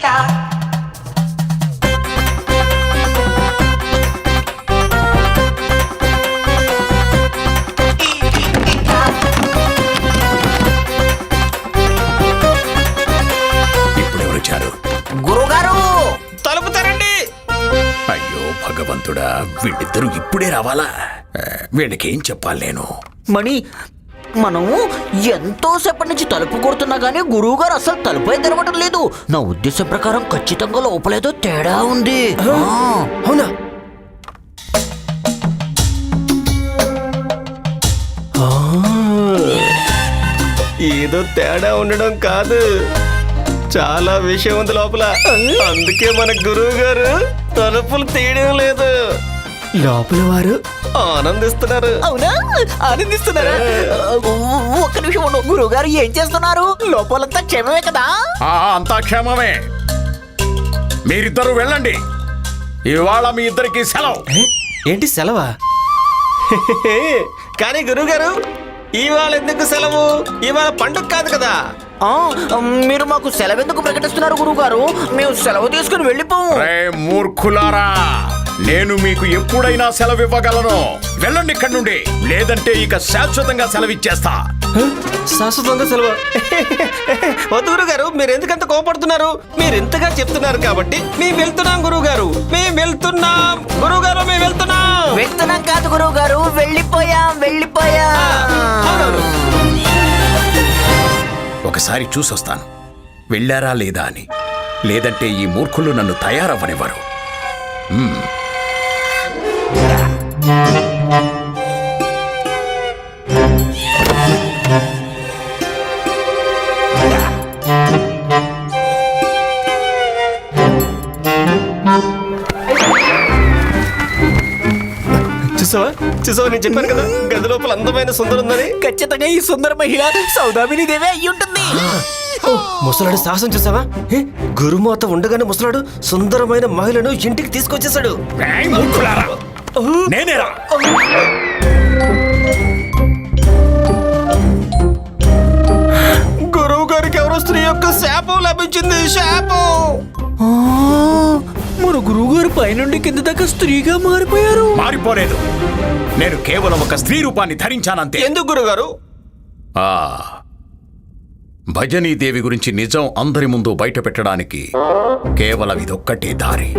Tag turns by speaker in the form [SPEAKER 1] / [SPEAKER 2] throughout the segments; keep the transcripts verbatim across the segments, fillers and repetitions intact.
[SPEAKER 1] భగవంతుడా, వీళ్ళిద్దరూ ఇప్పుడే రావాలా? వీళ్ళకేం చెప్పాలి నేను?
[SPEAKER 2] మణి, మనము ఎంతో సేపటి నుంచి తలుపు కొడుతున్నా గానీ గురువు గారు అసలు తలుపే తెరవడం లేదు. నా ఉద్దేశం ప్రకారం ఖచ్చితంగా లోపలేదో తేడా ఉంది.
[SPEAKER 3] అవునా? ఏదో తేడా ఉండడం కాదు, చాలా విషయం ఉంది లోపల. అందుకే మన గురువు గారు తలుపులు తీయడం లేదు. లోపల వారు ఆనందిస్తున్నారు.
[SPEAKER 2] అవునా? ఆనందిస్తున్నారా? ఒక్క నిమిషం ఉండు. గురువు గారు ఏం చేస్తున్నారు? లోపలంతా క్షేమమే కదా?
[SPEAKER 1] అంతా క్షేమమే. మీరిద్దరూ వెళ్ళండి. ఇవాళ మీ ఇద్దరికి సెలవు.
[SPEAKER 3] ఏంటి సెలవా? కానీ గురువు గారు, ఇవాళ ఎందుకు సెలవు? ఇవాళ పండుగ కాదు కదా.
[SPEAKER 2] మీరు మాకు సెలవు ఎందుకు ప్రకటిస్తున్నారు గురువు గారు? మేము సెలవు తీసుకుని వెళ్ళిపోము.
[SPEAKER 1] మూర్ఖులారా, నేను మీకు ఎప్పుడైనా సెలవు ఇవ్వగలను. వెళ్ళండి ఇక్కడి నుండి, లేదంటే ఇక శాశ్వతంగా సెలవు ఇచ్చేస్తా.
[SPEAKER 3] శాశ్వతంగా సెలవు? వద్దు గురువు గారు, మీరు ఎందుకంత కోపడుతున్నారు? మీరు ఎంతగా చెప్తున్నారు కాబట్టి మేము వెళ్తున్నాం గురువు గారు. మేము వెళ్తున్నాం గురువు గారు, మేము వెళ్తున్నాం.
[SPEAKER 2] వెళ్తున్నాం కాదు గురువు గారు, వెళ్ళిపోయాం వెళ్ళిపోయాం.
[SPEAKER 1] ఒకసారి చూసొస్తాను వెళ్ళారా లేదా అని, లేదంటే ఈ మూర్ఖులు నన్ను తయారవ్వనివ్వరు.
[SPEAKER 3] చూసావా చూసావా నేను చెప్పాను కదా, గది లోపల అందమైన సుందరం ఉందని.
[SPEAKER 2] ఖచ్చితంగా ఈ సుందర మహిళ సౌదామిని దేవే అయి ఉంటుంది.
[SPEAKER 3] ముసలాడు సాహసం చూసావా? గురుమాత ఉండగానే ముసలాడు సుందరమైన మహిళను ఇంటికి తీసుకొచ్చేసాడు.
[SPEAKER 1] నేనేరా?
[SPEAKER 3] గురువు గారికి ఎవరో స్త్రీ యొక్క శాపం లభించింది. శాపం.
[SPEAKER 2] మన గురువు గారు పైనుండి కింద దాకా స్త్రీగా మారిపోయారు.
[SPEAKER 1] మారిపోలేదు, నేను కేవలం ఒక స్త్రీ రూపాన్ని ధరించానంతే.
[SPEAKER 3] ఎందుకు గురుగారు?
[SPEAKER 1] ఆ భజనీదేవి గురించి నిజం అందరి ముందు బయట పెట్టడానికి కేవలం ఇదొక్కటే దారి.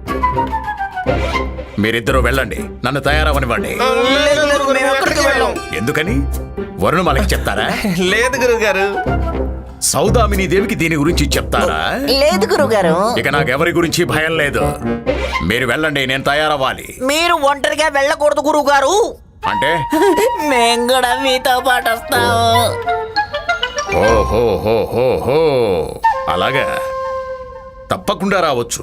[SPEAKER 1] మీరిద్దరూ వెళ్ళండి, నన్ను తయారవనివ్వండి. ఎందుకని? వరుణమాలకి చెప్తారా?
[SPEAKER 3] లేదు గురువు గారు.
[SPEAKER 1] సౌదామిని దేవికి దీని గురించి చెప్తారా?
[SPEAKER 2] లేదు గురువు గారు.
[SPEAKER 1] ఇక నాకెవరి గురించి భయం లేదు. మీరు వెళ్ళండి, నేను తయారవ్వాలి.
[SPEAKER 2] మీరు ఒంటరిగా వెళ్ళకూడదు గురువు గారు.
[SPEAKER 1] అంటే
[SPEAKER 2] మేము కూడా మీతో పాటు వస్తాము.
[SPEAKER 1] ఓహో హో హో హో అలాగా, తప్పకుండా రావచ్చు.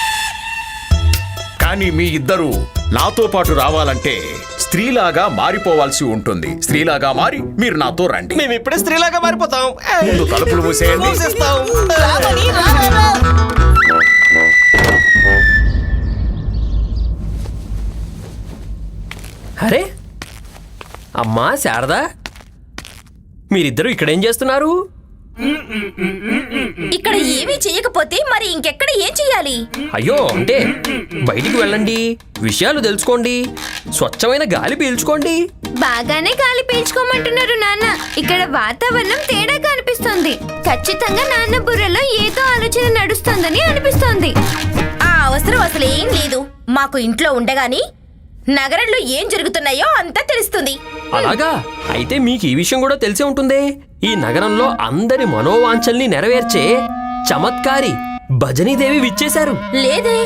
[SPEAKER 1] కానీ మీ ఇద్దరు నాతో పాటు రావాలంటే స్త్రీలాగా మారిపోవాల్సి ఉంటుంది. స్త్రీలాగా మారి మీరు నాతో రండి.
[SPEAKER 3] మేము ఇప్పుడే స్త్రీలాగా మారిపోతాం.
[SPEAKER 1] ముందు తలుపులు మూసేయండి.
[SPEAKER 4] అరే అమ్మా శారదా, మీరిద్దరూ ఇక్కడేం చేస్తున్నారు?
[SPEAKER 5] ఇక్కడ ఏమీ చేయకపోతే మరి ఇంకెక్కడ ఏం చెయ్యాలి?
[SPEAKER 4] అయ్యో, అంటే బయటికి వెళ్ళండి, విషయాలు తెలుసుకోండి, స్వచ్ఛమైన గాలి పీల్చుకోండి.
[SPEAKER 5] బాగానే గాలి పీల్చుకోమంటున్నారు నాన్న. ఇక్కడ వాతావరణం తేడాగా అనిపిస్తుంది. ఖచ్చితంగా నాన్న బుర్రలో ఏదో ఆలోచన నడుస్తోందని అనిపిస్తోంది. ఆ అవసరం అసలు ఏం లేదు. మాకు ఇంట్లో ఉండగాని నగరంలో ఏం జరుగుతున్నాయో అంతా తెలుస్తుంది.
[SPEAKER 4] అలాగా? అయితే మీకు ఈ విషయం కూడా తెలిసే ఉంటుంది. ఈ నగరంలో అందరి మనోవాంఛల్ని నెరవేర్చే చమత్కారి భజనీదేవి విచ్చేశారు.
[SPEAKER 5] లేదే.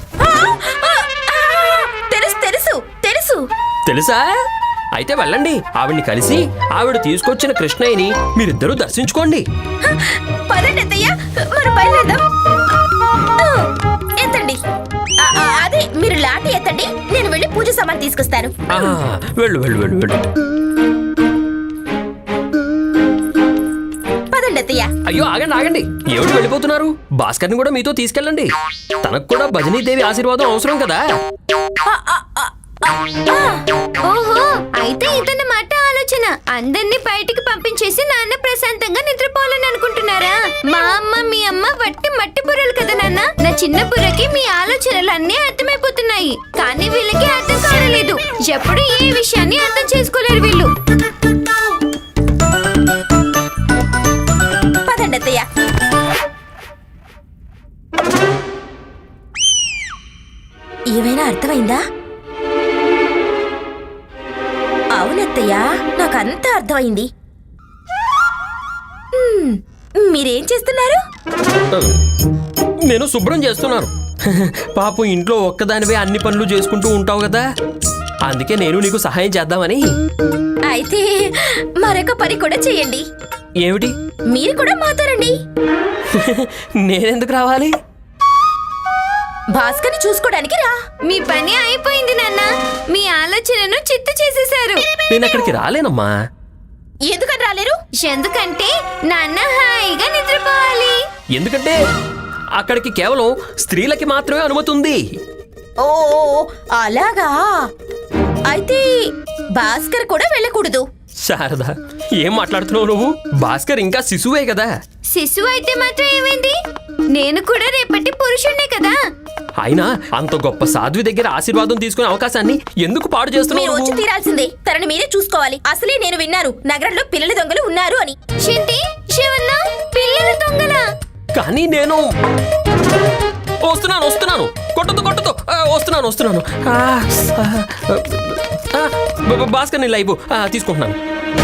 [SPEAKER 5] తెలుసు తెలుసు తెలుసు
[SPEAKER 4] తెలుసా? అయితే వెళ్ళండి, ఆవిడ్ని కలిసి ఆవిడ తీసుకొచ్చిన కృష్ణయ్యని మీరిద్దరూ దర్శించుకోండి.
[SPEAKER 5] పదండి అత్తయ్య, మనం బయలుదేరదాం. ఎత్తండి. అదే మీరు లాటి ఎత్తండి, నేను వెళ్ళి పూజ సామాన్ తీసుకొస్తాను.
[SPEAKER 4] వెళ్ళు వెళ్ళు వెళ్ళు వెళ్ళు.
[SPEAKER 5] పదండి అత్తయ్య.
[SPEAKER 4] అయ్యో ఆగండి ఆగండి, ఎవరు వెళ్ళిపోతున్నారు? భాస్కర్ని కూడా మీతో తీసుకెళ్ళండి. తనకు కూడా భజనీదేవి ఆశీర్వాదం అవసరం కదా.
[SPEAKER 5] ఓహో, అయితే ఇతని మాట ఆలోచన అందరినీ బయటికి పంపించేసి నాన్న ప్రశాంతంగా నిద్రపోవాలని అనుకుంటున్నారా? మా అమ్మ మీ అమ్మ వట్టి మట్టి బుర్రలు కదా నాన్న. నా చిన్న బుర్రకి మీ ఆలోచనలు అన్నీ అర్థమైపోతున్నాయి, కానీ వీళ్ళకి అర్థం కావలేదు. ఎప్పుడు ఏ విషయాన్ని అర్థం చేసుకోలేరు వీళ్ళు. పదండి అత్తయ్య. ఏమైనా అర్థమైందా? అవునత్తయ్య, నాకంతా అర్థమైంది. హ్మ్, మీరేం చేస్తున్నారు?
[SPEAKER 4] నేను శుభ్రం చేస్తున్నాను. పాపం ఇంట్లో ఒక్కదానివే అన్ని పనులు చేసుకుంటూ ఉంటావు కదా, అందుకే నేను నీకు సహాయం చేద్దామని.
[SPEAKER 5] అయితే మరొక పని కూడా చేయండి.
[SPEAKER 4] ఏమిటి?
[SPEAKER 5] మీరు కూడా మాతో రండి.
[SPEAKER 4] నేనెందుకు రావాలి?
[SPEAKER 5] భాస్కర్ని చూసుకోవడానికి రా. మీ పని అయిపోయింది నాన్న. మీ ఆలోచనను చిత్తు చేసేశారు.
[SPEAKER 4] నేను అక్కడికి రాలేనమ్మా.
[SPEAKER 5] ఎందుకని రాలేరు? ఎందుకంటే నాన్న హాయిగా నిద్రపోవాలి.
[SPEAKER 4] ఎందుకంటే అక్కడికి కేవలం స్త్రీలకి మాత్రమే అనుమతి ఉంది.
[SPEAKER 5] ఓ అలాగా? అయితే భాస్కర్ కూడా వెళ్ళకూడదు.
[SPEAKER 4] శారద, ఏం మాట్లాడుతున్నావు నువ్వు? భాస్కర్ ఇంకా శిశువే కదా.
[SPEAKER 5] శిశువు అయితే మాత్రం ఏమైంది? నేను కూడా రేపటి పురుషుణ్ణే కదా.
[SPEAKER 4] అయినా అంత గొప్ప సాధ్వి దగ్గర ఆశీర్వాదం తీసుకునే అవకాశాన్ని ఎందుకు పాడు
[SPEAKER 5] మీరు వచ్చి
[SPEAKER 4] చేస్తున్నావు?
[SPEAKER 5] తీరాల్సిందే. తనని మీరే చూసుకోవాలి. అసలే నేను విన్నాను నగరంలో పిల్లల దొంగలు ఉన్నారు అని. ఏంటి శివన్న, పిల్లల దొంగలా?
[SPEAKER 4] కానీ నేను వస్తున్నాను వస్తున్నాను కొట్టదు కొట్టదు ఆ, వస్తున్నాను వస్తున్నాను ఆ, ఆ, ఆ, బ- బ- భాస్కర్ నీ లైవ్ ఆ, తీసుకుంటున్నాను.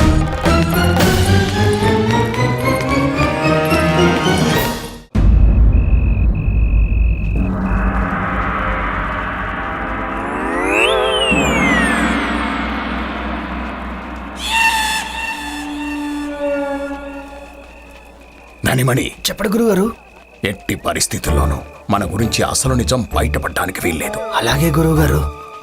[SPEAKER 1] ధనిమణి,
[SPEAKER 3] చెప్పడు గురుగారు.
[SPEAKER 1] ఎట్టి పరిస్థితుల్లోనూ మన గురించి అసలు నిజం బయటపడడానికి వీల్లేదు.
[SPEAKER 3] అలాగే గురువుగారు.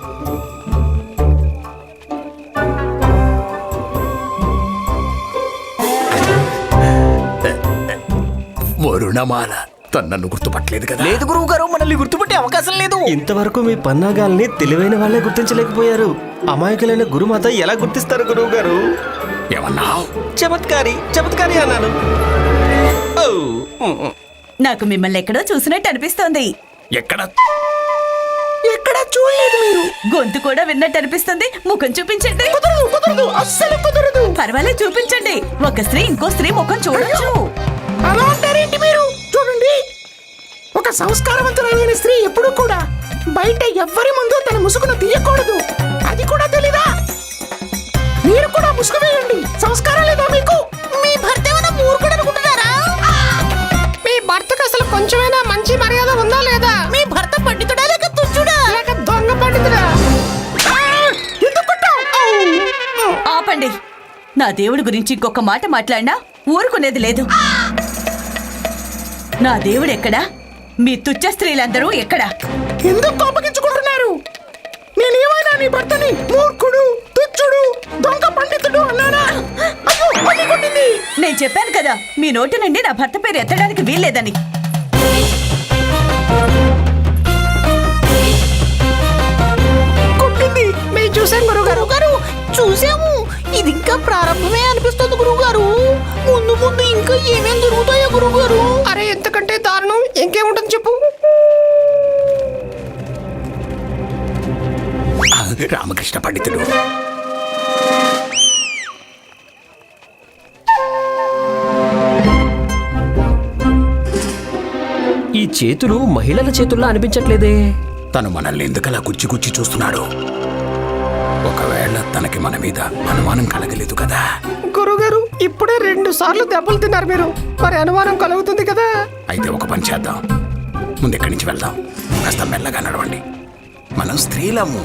[SPEAKER 1] వరుణమాల తను నన్ను గుర్తుపట్టలేదు కదా?
[SPEAKER 2] లేదు గురువు గారు, మనల్ని గుర్తుపట్టే అవకాశం లేదు.
[SPEAKER 3] ఇంతవరకు మీ పన్నాగాల్ని తెలివైన వాళ్ళే గుర్తించలేకపోయారు. అమాయకులైన గురుమాత ఎలా గుర్తిస్తారు గురువు గారు?
[SPEAKER 1] ఏమన్నావ్?
[SPEAKER 3] చమత్కారి చమత్కారి అన్నాను. ఓ, ఉమ్, ఉమ్.
[SPEAKER 6] నాకు మిమ్మల్ని ఎక్కడో చూసినట్టు అనిపిస్తోంది.
[SPEAKER 1] ఎక్కడ?
[SPEAKER 6] ఎక్కడ చూడలేదు మీరు. గొంతు కూడా విన్నట్టు అనిపిస్తుంది. ముఖం చూపించండి. కుదరదు కుదరదు అస్సలు కుదరదు. పర్వాలేదు, చూపించండి. ఒక స్త్రీ ఇంకో స్త్రీ ముఖం చూడొచ్చు.
[SPEAKER 7] అలా అంటారేంటి మీరు? చూడండి, ఒక సంస్కారవంతులైన స్త్రీ ఎప్పుడూ కూడా బయట ఎవ్వరి ముందు తన ముసుగును తీయకూడదు. అది కూడా తెలీదా? మీరు కూడా ముసుగు వేయండి. సంస్కారం లేదా మీకు? మీ భర్త ఏమైనా మూర్ఖుడు అనుకుంటున్నారా? మీ భర్తకు అసలు కొంచెమైనా మంచి మర్యాద ఉందా లేదా? మీ భర్త పండితుడా లేక తుచ్చుడా లేక దొంగ పండితుడా? ఆ! ఎందుకు కొట్టావ్? ఔ!
[SPEAKER 6] ఆపండి. నా దేవుడి గురించి ఇంకొక మాట మాట్లాడినా ఊరుకునేది లేదు. నా దేవుడు ఎక్కడా? మీ తుచ్చ స్త్రీలందరూ ఎక్కడా?
[SPEAKER 7] ఎందుకు కోపగించుకుంటున్నారు? నేనేమైనా నీ భర్తని మూర్ఖుడు, తుచ్చుడు, దొంగ పండితుడు అన్నానా? అయ్యో, మళ్ళీ కొట్టింది.
[SPEAKER 6] నేను చెప్పాను కదా, మీ నోటి నుండి నా భర్త పేరు ఎత్తడానికి వీల్లేదని.
[SPEAKER 7] కొట్టింది. మేము చూసాం గురుగారు గారు చూసాము. ఇది ఇంకా ప్రారంభమే అనిపిస్తుంది గురుగారు. ముందు ముందు ఇంకా ఏమేం జరుగుతాయో గురుగారు. అరే, ఎంతకంటే దారుణం ఇంకేముంటుంది చెప్పు.
[SPEAKER 1] ఆ, రామకృష్ణ పండితుడు.
[SPEAKER 4] ఈ చేతులు మహిళల చేతుల్లా అనిపించట్లేదే.
[SPEAKER 1] తను మనల్ని ఎందుకలా గుచ్చి గుచ్చి చూస్తున్నాడు? ఒకవేళ తనకి మన మీద అనుమానం కలగలేదు కదా?
[SPEAKER 7] గురుగారు, ఇప్పుడే రెండు సార్లు దెబ్బలు తిన్నారు మీరు. మరి అనుమానం కలుగుతుంది కదా?
[SPEAKER 1] అయితే ఒక పని చేద్దాం. ముందు ఇక్కడి నుంచి వెళ్దాం. కాస్త మెల్లగా నడవండి. మనం స్త్రీలము.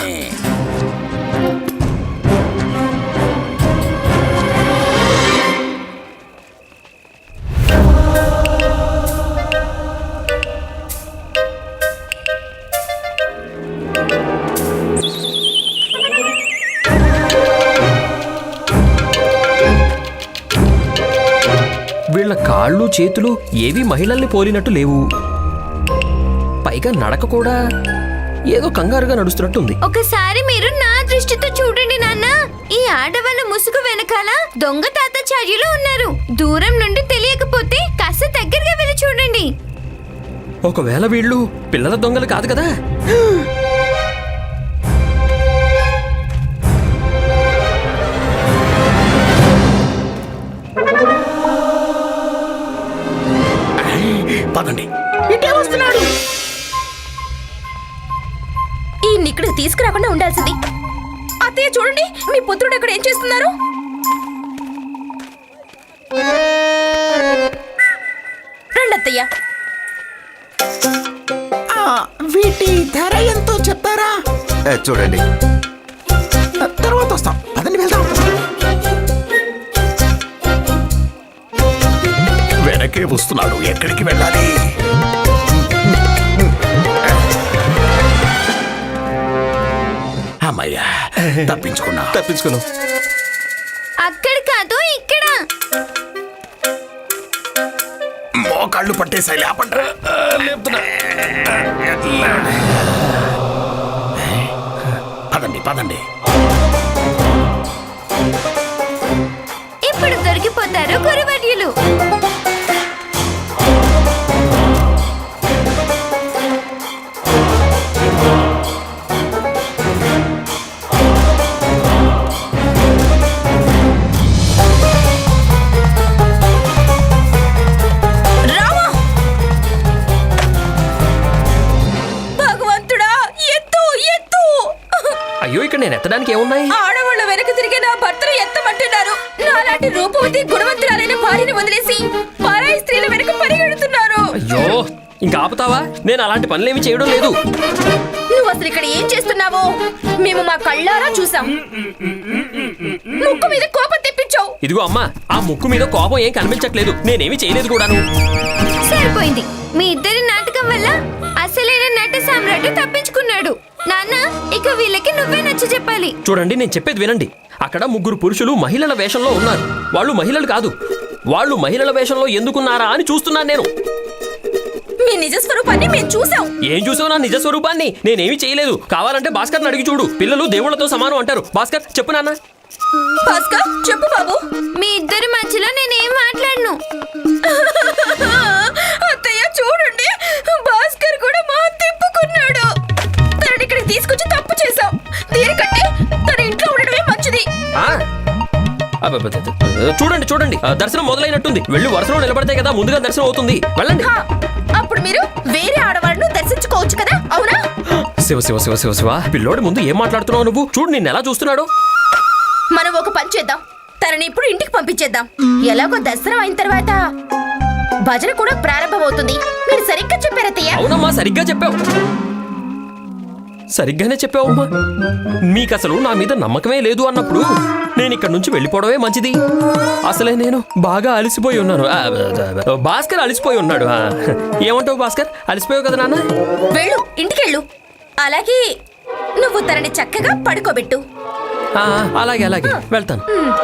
[SPEAKER 4] వీళ్ళ కాళ్ళు చేతులు ఏవి మహిళల్ని పోలినట్టు లేవు. పైగా నడక కూడా ఏదో కంగారుగా నడుస్తున్నట్టుంది.
[SPEAKER 5] ఒకసారి మీరు నా దృష్టితో చూడండి నాన్న. ఈ ఆడవాళ్ళ ముసుగు వెనకాల దొంగ తాతాచార్యులు ఉన్నారు. దూరం నుండి తెలియకపోతే కాస్త దగ్గరగా వెళ్ళి చూడండి.
[SPEAKER 4] ఒకవేళ వీళ్ళు పిల్లల దొంగలు కాదు కదా?
[SPEAKER 1] పదండి.
[SPEAKER 7] ఇటే వస్తున్నాడు.
[SPEAKER 5] ఈ ఇక్కడికి తీసుకురాకుండా ఉండాల్సింది. అత్తయ్య చూడండి, మీ పుత్రుడు ఇక్కడ ఏం చేస్తున్నారు? రండి అత్తయ్య.
[SPEAKER 7] ఆ, వీటి ధర ఎంతో చెప్తారా?
[SPEAKER 8] చూడండి,
[SPEAKER 7] తర్వాత వస్తాం. పదండి వెళ్దాం.
[SPEAKER 1] వెనకే వస్తున్నాడు. ఎక్కడికి వెళ్ళాలి? అమ్మయ్యా, తప్పించుకున్నా.
[SPEAKER 3] తప్పించుకున్నాం.
[SPEAKER 5] అక్కడ కాదు, ఇక్కడ.
[SPEAKER 1] మోకాళ్ళు పట్టేసాయి. లేపండ్రా. పదండి పదండి.
[SPEAKER 5] ఇప్పుడు దొరికిపోతారు గురువర్యులు.
[SPEAKER 4] అయ్యో, ఇక్కడ నేను ఎత్తడానికి ఏమున్నాయి?
[SPEAKER 5] ఆడవాళ్ళ వెనక తిరిగి నా భర్తను ఎత్తమంటున్నారు. నాలాంటి రూపవతి గుణవంతురాలైన భార్యని వదిలేసి పరాయి స్త్రీల వెనక పరిగెడుతున్నారు.
[SPEAKER 4] అయ్యో, ఇంకా ఆపుతావా? నేను అలాంటి పనులేమి చేయడం లేదు.
[SPEAKER 5] నువ్వు అసలు ఇక్కడ ఏం చేస్తున్నావో మేము మా కళ్ళారా చూసాం. ముక్కు మీద కోపం తెప్పించావు.
[SPEAKER 4] ఇదిగో అమ్మా, ఆ ముక్కు మీద కోపం ఏం కనిపించట్లేదు. నేనేమి చేయలేదు కూడాను.
[SPEAKER 5] సరిపోయింది. మీ ఇద్దరి నాటకం వల్ల అసలైన నట సామ్రాట్ తప్పించుకున్నాడు. నాన్న, ఇక వీళ్ళకి నువ్వే నచ్చ చెప్పాలి.
[SPEAKER 4] చూడండి, నేను చెప్పేది వినండి. అక్కడ ముగ్గురు పురుషులు మహిళల వేషంలో ఉన్నారు. వాళ్ళు మహిళలు కాదు. వాళ్ళు మహిళల వేషంలో ఎందుకున్నారా అని చూస్తున్నాను నేను.
[SPEAKER 5] మీ నిజ స్వరూపాన్ని మేము చూసాం.
[SPEAKER 4] ఏం చూసావు నా నిజ స్వరూపాన్ని? నేనేమి చేయలేదు. కావాలంటే భాస్కర్ని అడిగి చూడు. పిల్లలు దేవుళ్లతో సమానం అంటారు. భాస్కర్, చెప్పు నాన్న.
[SPEAKER 5] భాస్కర్, చెప్పు బాబు. మీ ఇద్దరి మధ్యలో నేనేం మాట్లాడను. అత్తయ్య చూడండి, భాస్కర్ కూడా మా తిప్పుకున్నాడు. తనని ఇక్కడికి తీసుకొచ్చి తప్పు చేశాం. దీనికంటే తన ఇంట్లో ఉండడమే మంచిది.
[SPEAKER 4] ఆ? అబ్బబ్బబ్బ. చూడండి చూడండి, ఆ, దర్శనం మొదలైనట్టుంది. వెళ్ళి వరుసలో నిలబడితే కదా ముందుగా దర్శనం అవుతుంది. వెళ్ళండి.
[SPEAKER 5] హా, అప్పుడు మీరు వేరే ఆడవాళ్ళను దర్శించుకోవచ్చు కదా, అవునా?
[SPEAKER 4] శివ శివ శివ శివ శివ పిల్లోడి ముందు ఏం మాట్లాడుతున్నావు నువ్వు? చూడు నిన్ను ఎలా చూస్తున్నాడు.
[SPEAKER 5] మనం ఒక పని చేద్దాం. తనని ఇప్పుడు ఇంటికి పంపించేద్దాం. ఎలాగో దర్శనం అయిన తర్వాత భజన కూడా ప్రారంభమవుతుంది. మీరు సరిగ్గా చెప్పారత్తయ్య.
[SPEAKER 4] అవునమ్మా, సరిగ్గా చెప్పావు. సరిగ్గానే చెప్పావమ్మా. మీకు అసలు నా మీద నమ్మకమే లేదు అన్నప్పుడు నేను ఇక్కడ నుంచి వెళ్ళిపోవడమే మంచిది. అసలే నేను బాగా అలసిపోయి ఉన్నాను. ఆ, భాస్కర్ అలసిపోయి ఉన్నాడు. ఆ, ఏమంటావు భాస్కర్? అలసిపోయావు కదా నాన్న?
[SPEAKER 5] వెళ్ళు, ఇంటికెళ్ళు. అలాగే నువ్వు తనని చక్కగా పడుకోబెట్టు.
[SPEAKER 4] ఆ, అలాగే అలాగే వెళ్తాను.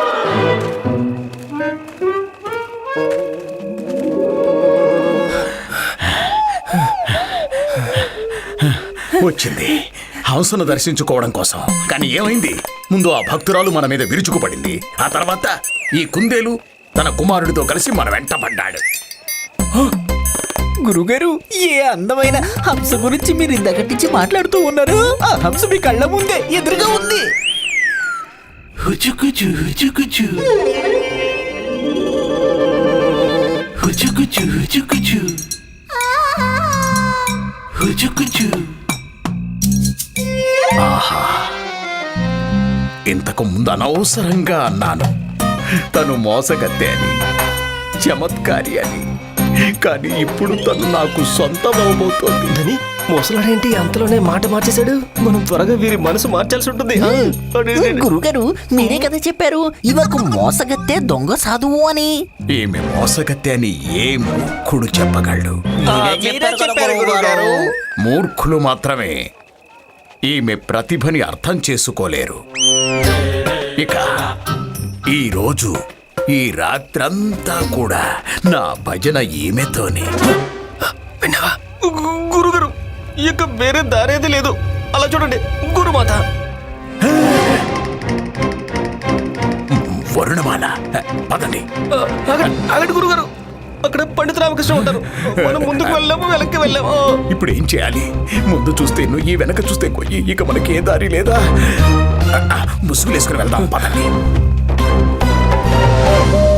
[SPEAKER 1] వచ్చింది హంసను దర్శించుకోవడం కోసం. కానీ ఏమైంది? ముందు ఆ భక్తురాలు మన మీద విరుచుకుపడింది. ఆ తర్వాత ఈ కుందేలు తన కుమారుడితో కలిసి మన వెంట పడ్డాడు.
[SPEAKER 2] గురుగారు, ఏ అందమైన హంస గురించి మీరు ఇందాక నుంచి మాట్లాడుతూ ఉన్నారు. ఆ హంస మీ కళ్ళ ముందే ఎదురుగా ఉంది.
[SPEAKER 8] హుచుకుచు హుచుకుచు హుచుకుచు హుచుకుచు హుచుకుచు.
[SPEAKER 1] ఆహా, ఇంతకు ముందు అనవసరంగా అన్నాను తను మోసగత్తె అని, చమత్కారి అని. కానీ ఇప్పుడు తను నాకు సొంతం అవబోతోంది.
[SPEAKER 3] అని మోసలాడేంటి అంతలోనే మాట మార్చేశాడు? మనం త్వరగా వీరి మనసు మార్చాల్సి ఉంటుంది. ఆ, అడే, అడే, అడే.
[SPEAKER 2] గురుగారు, మీరే కదా చెప్పారు ఇవకు మోసగత్తే దొంగ సాధువు అని.
[SPEAKER 1] ఈమె మోసగత్తె అని ఏ మూర్ఖుడు చెప్పగలడు?
[SPEAKER 2] మీరే చెప్పారు గురుగారు.
[SPEAKER 1] మూర్ఖులు మాత్రమే ఈమె ప్రతిభని అర్థం చేసుకోలేరు. ఇక ఈ రోజు ఈ రాత్రంతా కూడా నా భజన ఈమెతోనే.
[SPEAKER 3] విన్నావా? గు- గురుగారు, ఇక వేరే దారేది లేదు. అలా చూడండి, గురుమాత.
[SPEAKER 1] వరుణమాల, పదండి.
[SPEAKER 3] ఆ, ఆగండి ఆగండి గురుగారు. అక్కడ పండిత రామకృష్ణ ఉంటారు. మనం ముందుకు వెళ్ళాము, వెనక్కి వెళ్ళాము.
[SPEAKER 1] ఇప్పుడు ఏం చేయాలి? ముందు చూస్తే నువ్వు, వెనక చూస్తే కొయ్యి. ఇక మనకి ఏ దారి లేదా? ముసుగులేసుకుని వెళ్దాం పదండి.